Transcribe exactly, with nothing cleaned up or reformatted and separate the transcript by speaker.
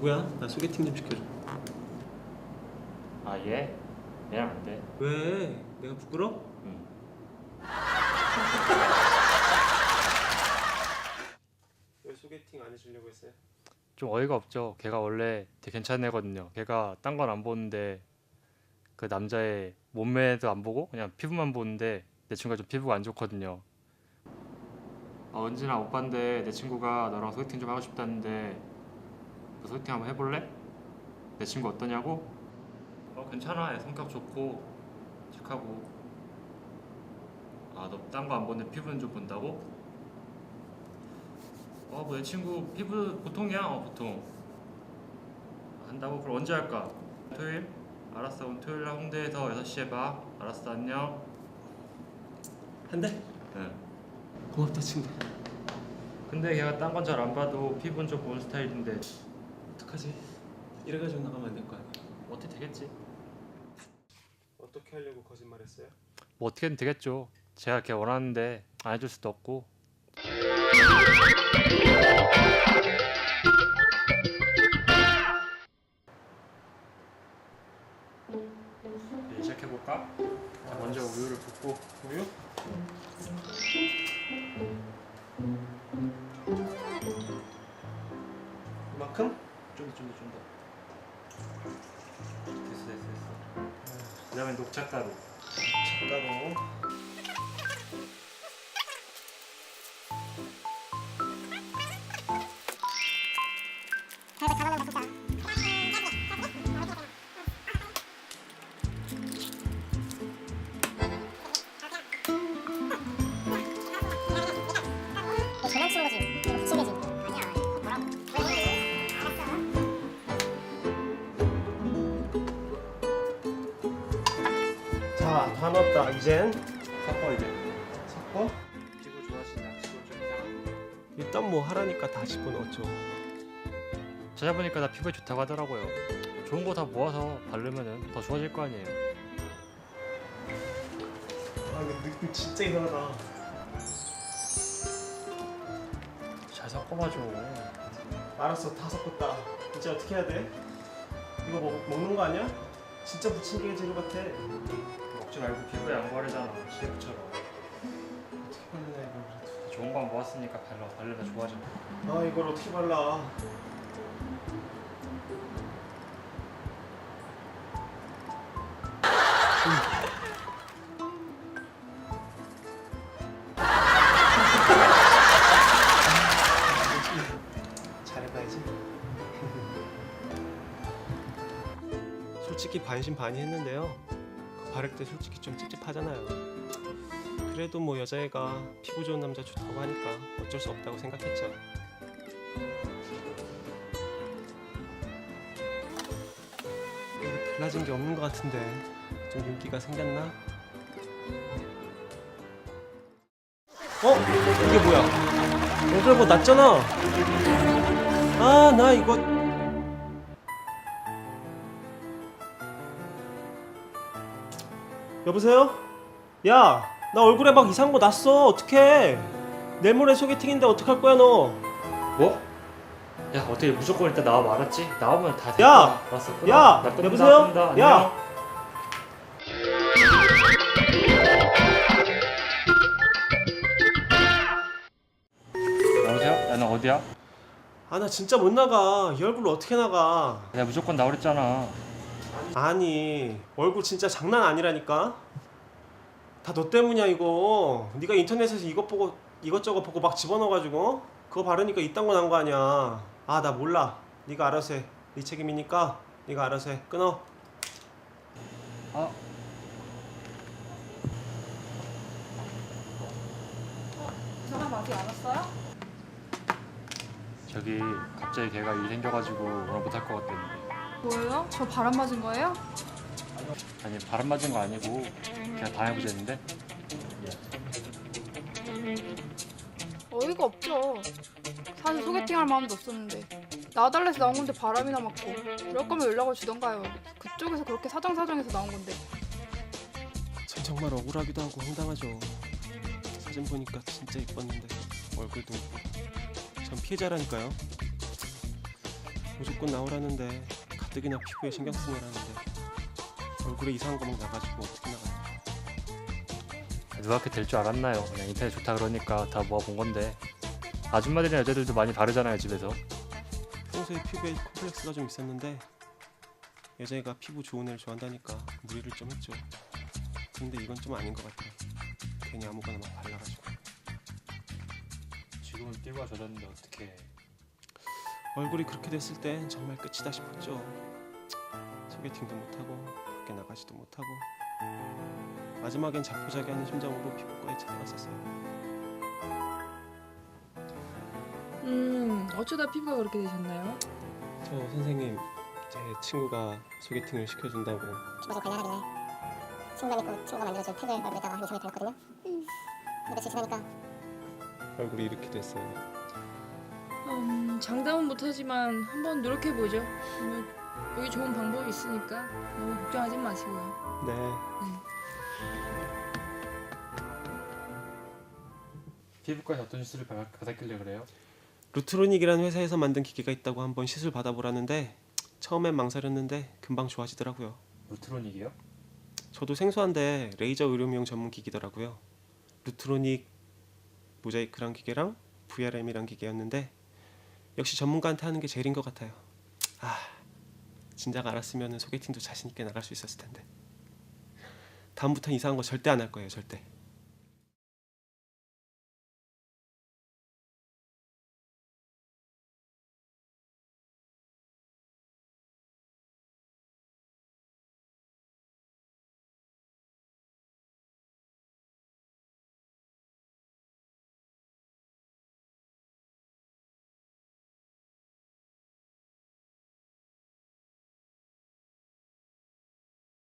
Speaker 1: 누구야? 나 소개팅 좀 시켜줘.
Speaker 2: 아 얘? 얘랑 안 돼.
Speaker 1: 왜? 내가 부끄러?
Speaker 2: 응.
Speaker 1: 왜 소개팅 안 해주려고 했어요?
Speaker 2: 좀 어이가 없죠. 걔가 원래 되게 괜찮은 애거든요. 걔가 딴 건 안 보는데 그 남자의 몸매도 안 보고 그냥 피부만 보는데 내 친구가 좀 피부가 안 좋거든요. 아 은진아 오빠인데 내 친구가 너랑 소개팅 좀 하고 싶다는데 너 소개팅 한번 해볼래? 내 친구 어떠냐고? 어 괜찮아. 애 성격 좋고 착하고. 아 너 딴 거 안 보는데 피부는 좀 본다고? 어 뭐 내 친구 피부 보통이야. 어 보통 한다고? 그럼 언제 할까? 토요일? 알았어. 그럼 토요일 날 홍대에서 여섯 시에 봐. 알았어. 안녕.
Speaker 1: 한대?
Speaker 2: 응.
Speaker 1: 고맙다 친구.
Speaker 2: 근데 걔가 딴 건 잘 안 봐도 피부는 좀 보는 스타일인데
Speaker 1: 어떡하지? 이래가지고 나가면 안 될 거 아니야.
Speaker 2: 어떻게 되겠지?
Speaker 1: 어떻게 하려고 거짓말했어요?
Speaker 2: 뭐 어떻게든 되겠죠. 제가 걔 원하는데 안 해줄 수도 없고. 이제 시작해볼까? 자, 먼저 우유를 붓고.
Speaker 1: 우유? 이만큼?
Speaker 2: 좀 더 좀 더 좀 더. 됐어 됐어 됐어. 그 다음에 녹차가루.
Speaker 1: 작가로.
Speaker 3: 장난치는 거지. 이거 미친 거지. 아니야. 뭐라고?
Speaker 1: 자, 다 넣었다. 이젠
Speaker 2: 섞어 이제.
Speaker 1: 섞어.
Speaker 2: 피부 좋아하시나? 지금 좀 이상한.
Speaker 1: 일단 뭐 하라니까 다 집어넣었죠.
Speaker 2: 찾아보니까 나 피부에 좋다고 하더라고요. 좋은 거 다 모아서 바르면은 더 좋아질 거 아니에요.
Speaker 1: 아 근데 느낌 진짜 이상하다.
Speaker 2: 잘 섞어봐줘.
Speaker 1: 알았어, 다 섞었다. 이제 어떻게 해야 돼? 이거 먹, 먹는 거 아니야? 진짜 부침개 재료 같아.
Speaker 2: 먹지 말고 피부에 양보하려잖아. 셰프처럼.
Speaker 1: 어떻게 발라야 이걸 그래도.
Speaker 2: 좋은 거 모았으니까 발라. 바르면 좋아져.
Speaker 1: 아 이걸 어떻게 발라? 잘해봐야지. 솔직히 반신반의했는데요. 그 바를 때 솔직히 좀 찝찝하잖아요. 그래도 뭐 여자애가 피부 좋은 남자 좋다고 하니까 어쩔 수 없다고 생각했죠. 근데 달라진 게 없는 것 같은데 좀 윤기가 생겼나? 어? 이게 뭐야? 얼굴보다 낫잖아. 아, 나 이거 여보세요? 야, 나 얼굴에 막 이상한 거 났어. 어떡해? 내일 모레 소개팅인데 어떡할 거야 너?
Speaker 2: 뭐? 야 어떻게 무조건 일단 나와 말았지? 나오면 다 됐다.
Speaker 1: 야!
Speaker 2: 알았어. 끊어.
Speaker 1: 야!
Speaker 2: 나 끊는다,
Speaker 1: 여보세요?
Speaker 2: 끊는다.
Speaker 1: 야!
Speaker 2: 안녕. 여보세요? 야 너 어디야?
Speaker 1: 아, 나 진짜 못 나가. 이 얼굴로 어떻게 나가?
Speaker 2: 내가 무조건 나오랬잖아.
Speaker 1: 아니, 얼굴 진짜 장난 아니라니까? 다 너 때문이야 이거. 네가 인터넷에서 이것 보고 이것저것 보고 막 집어넣어가지고 그거 바르니까 이딴 거 난 거 아니야. 아, 나 몰라. 네가 알아서 해. 네 책임이니까 네가 알아서 해. 끊어.
Speaker 2: 아
Speaker 4: 이상한 거 아직 안 왔어요?
Speaker 2: 저기 갑자기 걔가 일 생겨가지고 오늘 못할 것 같다는데.
Speaker 4: 뭐예요? 저 바람 맞은 거예요?
Speaker 2: 아니 바람 맞은 거 아니고 그냥 당해보자는데.
Speaker 4: 어이가 없죠. 사실 소개팅할 마음도 없었는데 나와달래서 나온 건데 바람이나 맞고. 이럴 거면 연락을 주던가요. 그쪽에서 그렇게 사정사정해서 나온 건데.
Speaker 1: 전 정말 억울하기도 하고 황당하죠. 사진 보니까 진짜 이뻤는데 얼굴도 못 보고. 전 피해자라니까요. 무조건 나오라는데 가뜩이나 피부에 신경 쓰느라는데 얼굴에 이상한 거 막 나가지고 어떻게 나가요?
Speaker 2: 누가 그렇게 될 줄 알았나요? 그냥 인터넷 좋다 그러니까 다 모아본 건데 아줌마들이나 여자들도 많이 바르잖아요 집에서.
Speaker 1: 평소에 피부에 콤플렉스가 좀 있었는데 여자애가 피부 좋은 애를 좋아한다니까 무리를 좀 했죠. 근데 이건 좀 아닌 것 같아요. 괜히 아무거나 막 발라가지고.
Speaker 2: 지금은 피부가 젖었는데 어떻게?
Speaker 1: 얼굴이 그렇게 됐을 땐 정말 끝이다 싶었죠. 소개팅도 못하고 밖에 나가지도 못하고 마지막엔 자포자기하는 심정으로 피부과에 찾아갔었어요.
Speaker 5: 음, 어쩌다 피부가 그렇게 되셨나요?
Speaker 1: 저 선생님, 제 친구가 소개팅을 시켜준다고.
Speaker 3: 피부가 좀 관련하길래 친구가 믿고 친구가 만들어준 팩을 얼굴에다가 한 이삼 일 발랐거든요. 근데 며칠 지나니까
Speaker 1: 얼굴이 이렇게 됐어요.
Speaker 5: 음, 장담은 못하지만 한번 노력해보죠. 뭐, 여기 좋은 방법이 있으니까 너무 걱정하지 마시고요.
Speaker 1: 네.
Speaker 2: 피부과에 어떤 시술을 받- 받았길래 그래요?
Speaker 1: 루트로닉이라는 회사에서 만든 기계가 있다고 한번 시술 받아보라는데 처음엔 망설였는데 금방 좋아지더라고요.
Speaker 2: 루트로닉이요?
Speaker 1: 저도 생소한데 레이저 의료미용 전문 기기더라고요. 루트로닉 모자이크란 기계랑 브이알엠이란 기계였는데 역시 전문가한테 하는 게 제일인 것 같아요. 아, 진작 알았으면 소개팅도 자신 있게 나갈 수 있었을 텐데. 다음부턴 이상한 거 절대 안 할 거예요, 절대.